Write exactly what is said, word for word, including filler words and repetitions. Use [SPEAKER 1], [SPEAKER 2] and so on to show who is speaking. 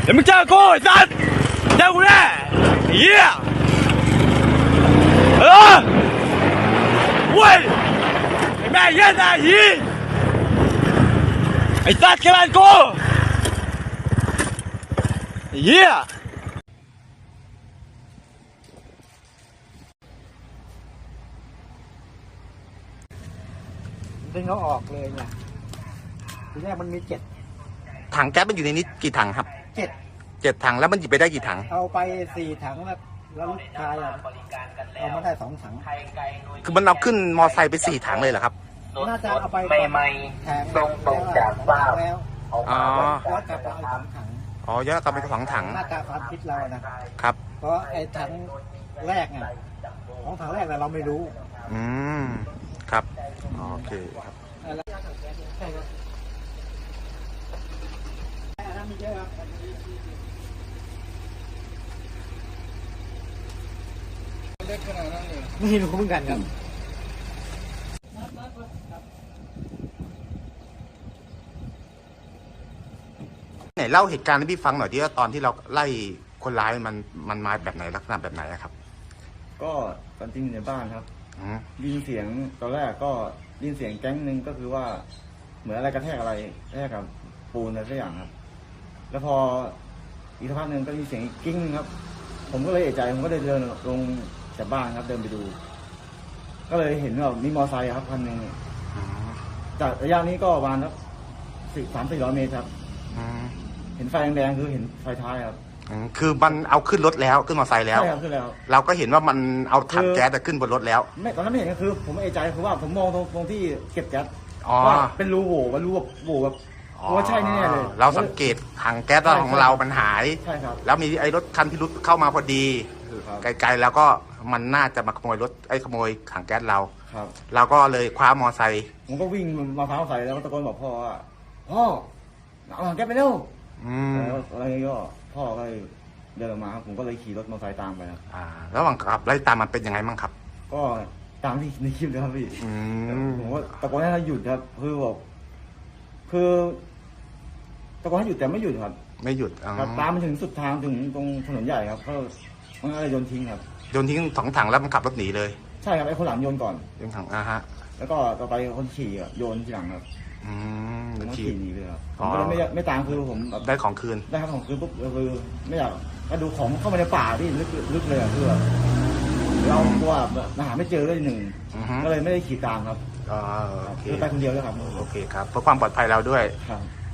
[SPEAKER 1] เดี๋ยวมึงเจอกูไอ้สัสเจอกูแน่ไอ้เหี้ยเออเว้ยไอ้แม่เหี้ยนะหีไอ้สัสแค่บ้านกูไอ้เหี้ย
[SPEAKER 2] ดึงเขาออกเลยเนี่ยทีแรกมันมีเจ็ด
[SPEAKER 3] ถังแก๊สมันอยู่ในนี้กี่ถังครับ
[SPEAKER 2] เจ็ด
[SPEAKER 3] เจ็ดถังแล้วมันหยิบไปได้กี่ถัง
[SPEAKER 2] เอาไปสี่ถังแล้วแล้วลูกชายอ่ะเอามาได้สองถัง
[SPEAKER 3] คือมันเอาขึ้นมอไซค์ไปสี่ถังเลยเหรอครับ
[SPEAKER 2] น่าจะเอาไปแทงตรงตรงจากบ้านแล้ว
[SPEAKER 3] อ๋อ
[SPEAKER 2] ย้อนกลับมาเอาสองถัง
[SPEAKER 3] อ๋อย้อนกลับไปสองถัง
[SPEAKER 2] น่าจะความคิดเรานะครับเพราะไอ้ถังแรกอ่ะของถังแรกเราไม่รู้
[SPEAKER 3] อืมครับโอเคครับ
[SPEAKER 2] ไม่รู้เหมือนกันครับ
[SPEAKER 3] ไหนเล่าเหตุการณ์ให้พี่ฟังหน่อยที่ว่าตอนที่เราไล่คนร้ายมันมันมาแบบไหนลักษณะแบบไหนครับ
[SPEAKER 4] ก็ตอนจริงอยู่ในบ้านครับยินเสียงตอนแรกก็ยินเสียงแก๊งหนึ่งก็คือว่าเหมือนอะไรกระแทกอะไรกระแทกกับปูนอะไรสักอย่างครับแล้วพออีกสักพักหนึ่งก็มีเสียงกิ้งครับผมก็เลยเอะใจผมก็เลยเดินลงจากบ้านครับเดินไปดูก็เลยเห็นว่ามีมอไซค์ครับคันหนึ่งจากระยะนี้ก็ประมาณสักสิบสามสี่ร้อยเมตรครับเห็นไฟแดงๆคือเห็นไฟท้ายครับ
[SPEAKER 3] คือมันเอาขึ้นรถแล้วขึ้นมอเตอร์ไซค์แล้ว
[SPEAKER 4] ใช่ครับขึ้นแล้ว
[SPEAKER 3] เราก็เห็นว่ามันเอาถังแก๊สขึ้นบนรถแล้ว
[SPEAKER 4] ไม่ตอนนั้นไม่เห็นก็คือผมเอะใจคือว่าผมมองตรงตรงที่เก็บแก๊สว่าเป็นรูโหว่เป็นรูแบบโหว่แบบว่าใช่แน่เลย
[SPEAKER 3] เราสังเกตถังแก๊สของเรามันหาย
[SPEAKER 4] ใช่ครับ
[SPEAKER 3] แล้วมีไอ้รถคันที่รุดเข้ามาพอดีไกลๆแล้วก็มันน่าจะมาขโมยรถไอ้ขโมยถังแก๊สเรา
[SPEAKER 4] ครับ
[SPEAKER 3] เราก็เลยคว้ามอไซค์
[SPEAKER 4] ผมก็วิ่งมาเท้าใส่แล้วก็ตะโกนบอกพ่อว่าพ่อเอาถังแก๊สไปเร็วแล้วอะไรก็พ่อก็เดินออกมาครับผมก็เลยขี่รถมอเตอร์ไซค์ตามไปครับ
[SPEAKER 3] อ่าระหว่างขับไล่ตามมันเป็นยังไงบ้างครับ
[SPEAKER 4] ก็ตามที่ในคลิปเลยครับพี่ผมว่าตะโกนให้เขาหยุดครับคือบอกคือตะโกนให้หยุดแต่ไม่หยุดครับ
[SPEAKER 3] ไม่หยุด
[SPEAKER 4] ครับตามมาถึงสุดทางถึงตรงถนนใหญ่ครับก็มันก็เลยโยนทิ้งครับ
[SPEAKER 3] โยนทิ้งสองถังแล้วมันขับรถหนีเลย
[SPEAKER 4] ใช่ครับไอ้คนหลังโยนก่อน
[SPEAKER 3] โยนถังอ่ะฮะ
[SPEAKER 4] แล้วก็ต่อไปคนขี่โยนทีหลังครับ
[SPEAKER 3] อืม
[SPEAKER 4] ขี่หนีเลยครับผมก็เลยไม่ไม่ตามคือผม
[SPEAKER 3] ได้ของคืน
[SPEAKER 4] ได้ครับของคืนปุ๊บคือไม่อยากก็ดูของเข้ามาในป่าที่ลึกลึกเลยอ่ะคือเรากลัวหาไม่เจอเลยหนึ่งก็เลยไม่ได้ขี่ตามครับ
[SPEAKER 3] อ๋อโอเค
[SPEAKER 4] ไปคนเดียวแล้วครับ
[SPEAKER 3] โอเคครับเพื่อความปลอดภัยเราด้วย
[SPEAKER 4] ครับ